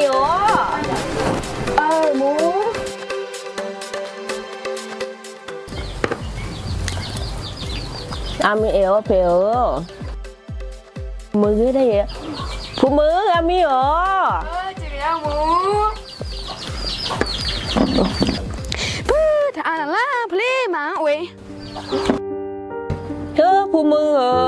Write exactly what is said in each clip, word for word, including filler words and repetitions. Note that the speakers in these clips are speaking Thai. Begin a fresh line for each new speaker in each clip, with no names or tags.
เหรอเออหมูอามีเอวเปล่ามือได้ยังผู้มืออามีเหรอ
เออจีเรียหมูถ้าอ่านล่าพลีมาเว้ย
เธอผู้มือเหรอ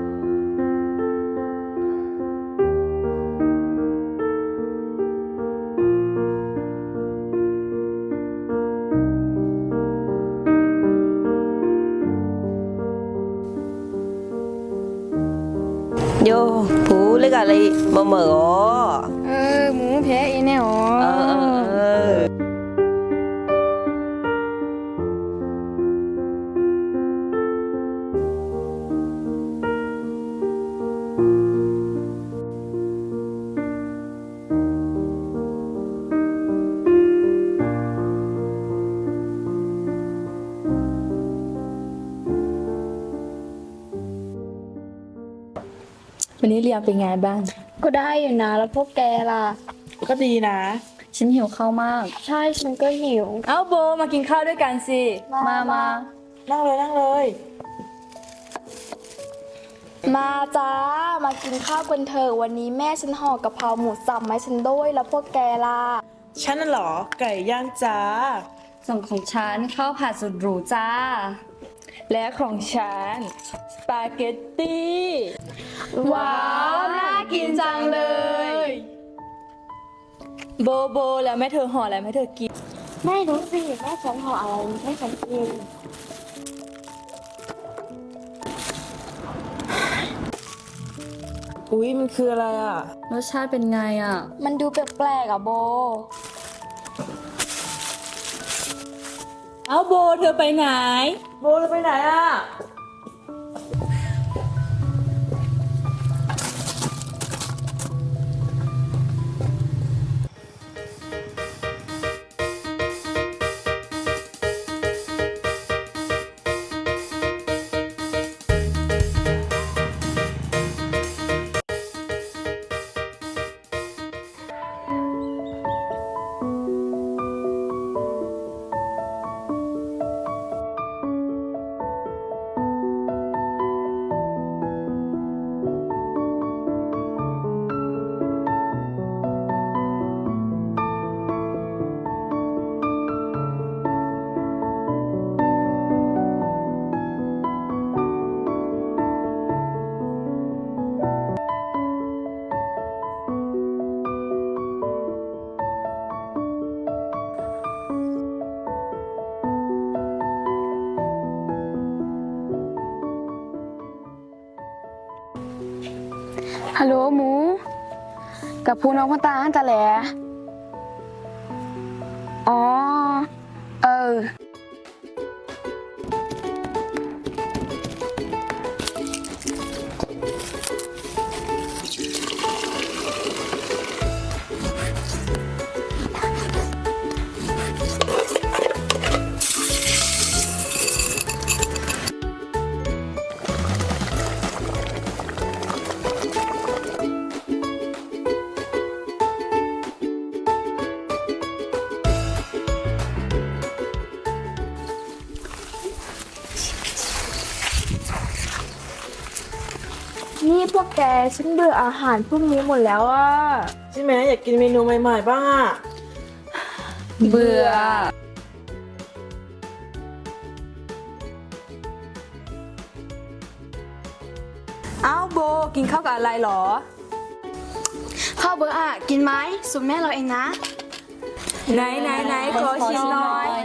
โยผู้เล็กอะไรมาเหมือ
เออหมูแพ้อีแน่หรอ
เออเออ
วันนี้เรียนเป็นไงบ้าง
ก็ได้อยู่นะแล้วพวกแกล่ะ
ก็ดีนะ
ฉันหิวข้าวมาก
ใช่ฉันก็หิว
เอ้าโบมากินข้าวด้วยกันสิ มามา
นั่งเลยนั่งเลย
มาจ้ามากินข้าวกันเถอะวันนี้แม่ฉันห่อกะเพราหมูสับมาให้ฉันด้วยแล้วพวกแกล่ะ
ฉันน่ะเหรอ ไก่ย่างจ้า
ส่วนของฉันข้าวผัดสุดหรูจ้า และของฉันสปาเกตตี้
ว้าวน่ากินจังเลย
โบโบแล้วแม่เธอห่ออะไรแม่เธอกิน
ไม่รู้สิแม่ฉันห่ออะไรให้ฉันกิน
อุ๊ย มันคืออะไรอ่ะ
รสชาติเป็นไงอ่ะ
มันดูแปลกๆอ่ะโบ
เอ้าโบเธอไปไหน
โบเราไปไหนอ่ะ
ฮัลโหลหมู กับพูน้องพ่อตาอันตะแหลอ๋อ เออ นี่พวกแกฉันเบื่ออาหารพวกนี้หมดแล้วอ่ะ
ใช่ไหมอยากกินเมนูใหม่ๆบ้างอ่ะ
เบื่อ เอ้าโบกินข้าวกับอะไรหรอ
ข้าวเบอร์อ่ะ กินไหมสูตรแม่เราเองนะ
ไหนไหนไหนขอชิมหน่อย